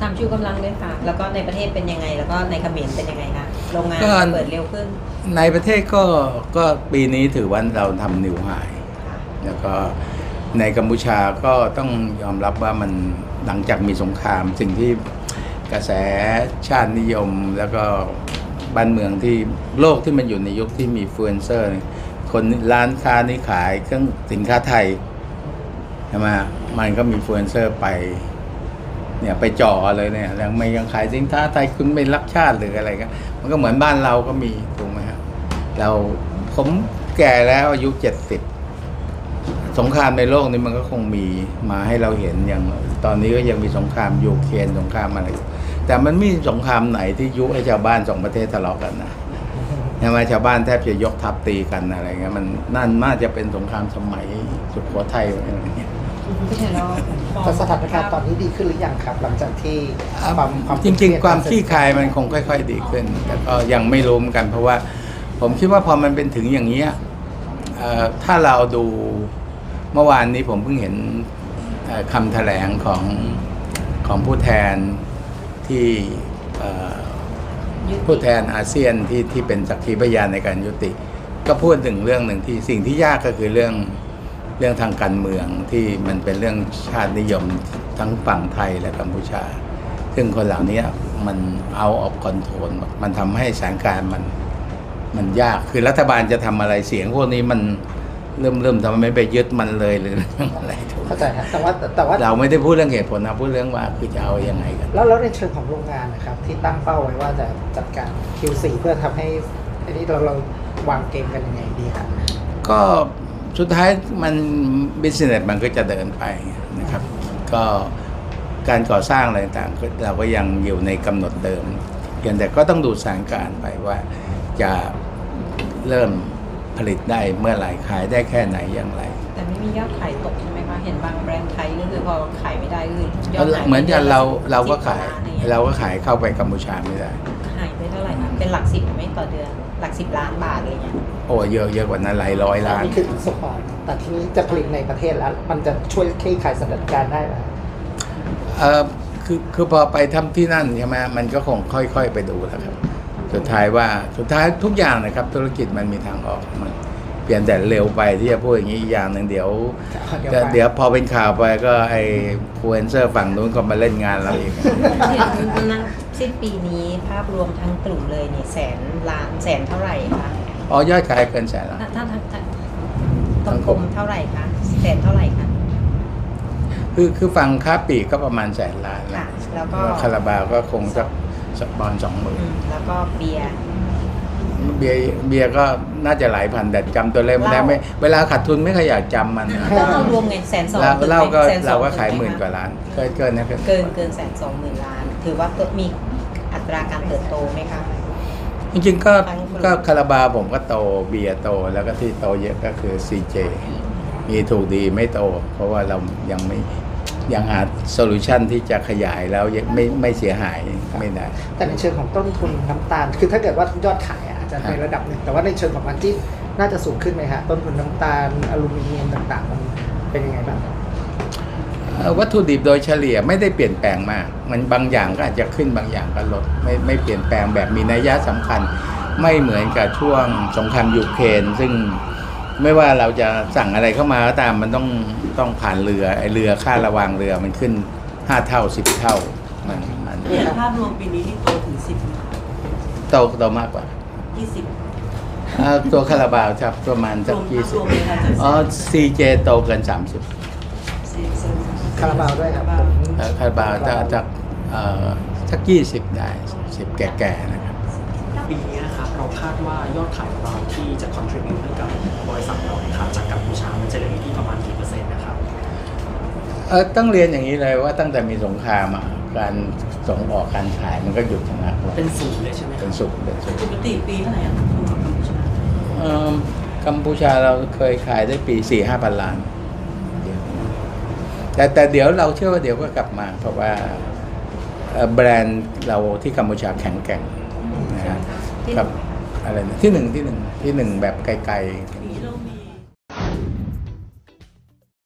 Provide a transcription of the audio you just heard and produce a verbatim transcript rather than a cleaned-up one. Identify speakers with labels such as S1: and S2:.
S1: ามชูกำลังด้วยค่ะแล้วก็ในประเทศเป็นยังไงแล้วก็ในเขมรเป็นยังไงคะโรงงานเปิดเร็วขึ้น
S2: ในประเทศก็ก็ปีนี้ถือว่าเราทำนิวไฮแล้วก็ในกัมพูชาก็ต้องยอมรับว่ามันหลังจากมีสงครามสิ่งที่กระแสชาตินิยมแล้วก็บ้านเมืองที่โลกที่มันอยู่ในยุคที่มีอินฟลูเอนเซอร์คนร้านค้านี่ขายเครื่องสินค้าไทยใช่ไหมมันก็มีอินฟลูเอนเซอร์ไปเนี่ยไปจ่อเลยเนี่ยยังไม่ยังขายสินค้าไทยคุณไม่รักชาติหรืออะไรก็มันก็เหมือนบ้านเราก็มีถูกไหมครับเราผมแก่แล้วอายุเจ็ดสิบสงครามในโลกนี้มันก็คงมีมาให้เราเห็นอย่างตอนนี้ก็ยังมีสงครามยูเครนสงครามอะไรแต่มันไม่มีสงครามไหนที่ยุให้ชาวบ้านสองประเทศทะเลาะกันนะใช่ไหมชาวบ้านแทบจะยกทัพตีกันอะไรเงี้ยมันนั่นน่าจะเป็นสงครามสมัยสุโขทัยอะไรเงี้ย
S3: แต่สถานการณ์ตอนนี้ดีขึ้นหรือยังครับหลังจากที่
S2: ความจริงๆความคลี่คลายมันคงค่อยๆดีขึ้นแต่ก็ยังไม่รู้เหมือนกันเพราะว่าผมคิดว่าพอมันเป็นถึงอย่างนี้ถ้าเราดูเมื่อวานนี้ผมเพิ่งเห็นคำแถลงของของผู้แทนที่ผู้แทนอาเซียนที่ที่เป็นสักขีพยานในการยุติก็พูดถึงเรื่องหนึ่งที่สิ่งที่ยากก็คือเรื่องเรื่องทางการเมืองที่มันเป็นเรื่องชาตินิยมทั้งฝั่งไทยและกัมพูชาซึ่งคนเหล่านี้มันเอาออกคอนโทรลมันทำให้สถานการณ์มันมันยากคือรัฐบาลจะทำอะไรเสียงพวกนี้มันเริ่มเริ่มทำไมไม่ไปยึดมันเลยหรืออะไรถูก
S3: เข้าใจครับแต่ว่าแต่ว่า
S2: เราไม่ได้พูดเรื่องเหตุผลนะพูดเรื่องว่าคือจะเอายังไงกัน
S3: แล้วแล้วในเชิงของโรงงานนะครับที่ตั้งเป้าไว้ว่าจะจัดการ คิว โฟร์ เพื่อทำให้อันนี้เราเราวางเกมกันยังไงดีครับ
S2: ก็สุดท้ายมัน business มันก็จะเดินไปนะครับก็การก่อสร้างอะไรต่างๆเราก็ยังอยู่ในกำหนดเดิมเพียงแต่ก็ต้องดูสถานการณ์ไปว่าจะเริ่มผลิตได้เมื่อไหร่ขายได้แค่ไหนอย่างไร
S1: แต่ไม่มียอดขายตกใช่ไหมคะเห็นบางแบรนด์ไทยก็คือพอขายไม่ได้ก็คือย
S2: อดขายเหมือนกันเราเราก็ขายเราก็ขายเข้าไปกัมพูชาไม่ได้
S1: ขายไปเท่าไหร่คะเป็นหลักสิบไหมต่อเดือนหลักสิบล้านบาทอะไรเงี้ย
S2: โอ้เยอะเยอะกว่านั้นหลายร้อยล้าน
S3: นี่คือสปอร์ตแต่ทีนี้จะผลิตในประเทศแล้วมันจะช่วยคลี่คลายสถานการณ์ได้ไหม
S2: เออคือคือพอไปทำที่นั่นใช่ไหมมันก็คงค่อยๆไปดูแล้วครับสุดท้ายว่าสุดท้ายทุกอย่างนะครับธุรกิจมันมีทางออกมันเปลี่ยนแต่เร็วไปที่จะพูดอย่างนี้อีกอย่างหนึ่งเดี๋ยวเดี๋ยวพอเป็นข่าวไปก็ไอ้อินฟลูเอนเซอร์ฝั่งนู้นก็มาเล่นงานเราอีก
S1: นะสิ้นปีนี้ภาพรวมทั้งกลุ่มเลยเนี่ยแสนล้านแสนเท่าไหร่คะ
S2: อ๋อยอดขายเกินแสนล้าน
S1: ถ้าถ้ากลมเท่าไหร่คะแสนเท่าไหร่คะ
S2: คือคือฝั่งค้าปลีกก็ประมาณแสนล้าน
S1: แล้วก็
S2: คาราบาวก็คงสักสักบอลสองหมื่น
S1: แล้วก็เบียร์
S2: เบียร์เบียร์ก็น่าจะหลายพันแต่จำตัวเลขไม่ได้ไม่เวลาขาดทุนไม่ค่อยอยากจำมัน
S1: ก็เรารวมเงินแสนสอง
S2: เล่าก็เราก็ขายหมื่นกว่าล้านเกินเกินนะ
S1: เกินเกินแสนสองหมื่นล้านถือว่ามีอัตราการเติบโตไหมคะ
S2: จริงๆก็ก็คาราบาวผมก็โตเบียร์โตแล้วก็ที่โตเยอะก็คือ ซี เจ มีถูกดีไม่โตเพราะว่าเรายังไม่ยังหาโซลูชันที่จะขยายแล้วยังไม่ไม่เสียหายไม่ได้
S3: แต่ในเชิงของต้นทุนน้ำตาลคือถ้าเกิดว่ายอดขายอาจจะในระดับหนึ่งแต่ว่าในเชิงของมันที่น่าจะสูงขึ้นไหมฮะต้นทุนน้ำตาลอลูมิเนียมต่างๆมันเป็นยังไงบ้าง
S2: วัตถุดิบโดยเฉลี่ยไม่ได้เปลี่ยนแปลงมากมันบางอย่างก็อาจจะขึ้นบางอย่างก็ลดไม่ไม่เปลี่ยนแปลงแบบมีนัยสำคัญไม่เหมือนกับช่วงสงครามยูเครนซึ่งไม่ว่าเราจะสั่งอะไรเข้ามาก็ตามมันต้องต้องผ่านเรือไอเรือค่าระวางเรือมันขึ้นห้าเท่าสิบเท่ามันมัน
S1: ภาพรวมปีนี้ที่โตถึงสิบ
S2: โตโตมากกว่า
S1: ยี่สิบ
S2: ตัวคาราบาวครับประมาณสักยี่สิบอ๋อ ซี เจ โตเกินสามสิบ
S3: คาราบาวด้วยครับ
S2: คาราบาวจะจากสักยี่สิบได้สิบแก่ๆนะครับ
S4: ปีนี้นะครับเราคาดว่ายอดขายของเราที่จะ contribute ให้กับบริษัทเราครับจากกัมพูชามันจะเหลืออยู่ที่ประมาณกี่เปอร์เซ็นต์นะครับ
S2: เออต้องเรียนอย่างนี้เลยว่าตั้งแต่มีสงครามการส่งออกการขายมันก็หยุดชะงัก
S4: เป็นศูนย์เลยใช่ไหม
S2: เป็นศูนย์เป็นศูนย์
S1: ปกติปีเท่าไหร่กัมพูชา
S2: เออกัมพูชาเราเคยขายได้ปีสี่ห้าพันล้านแต่แต่เดี๋ยวเราเชื่อว่าเดี๋ยวก็กลับมาเพราะว่าแบรนด์เราที่กัมพูชาแข็งแกร่งนะครับอะไรนะที่หนึ่งที่หนึ่งที่หนึ่งแบบไกลๆ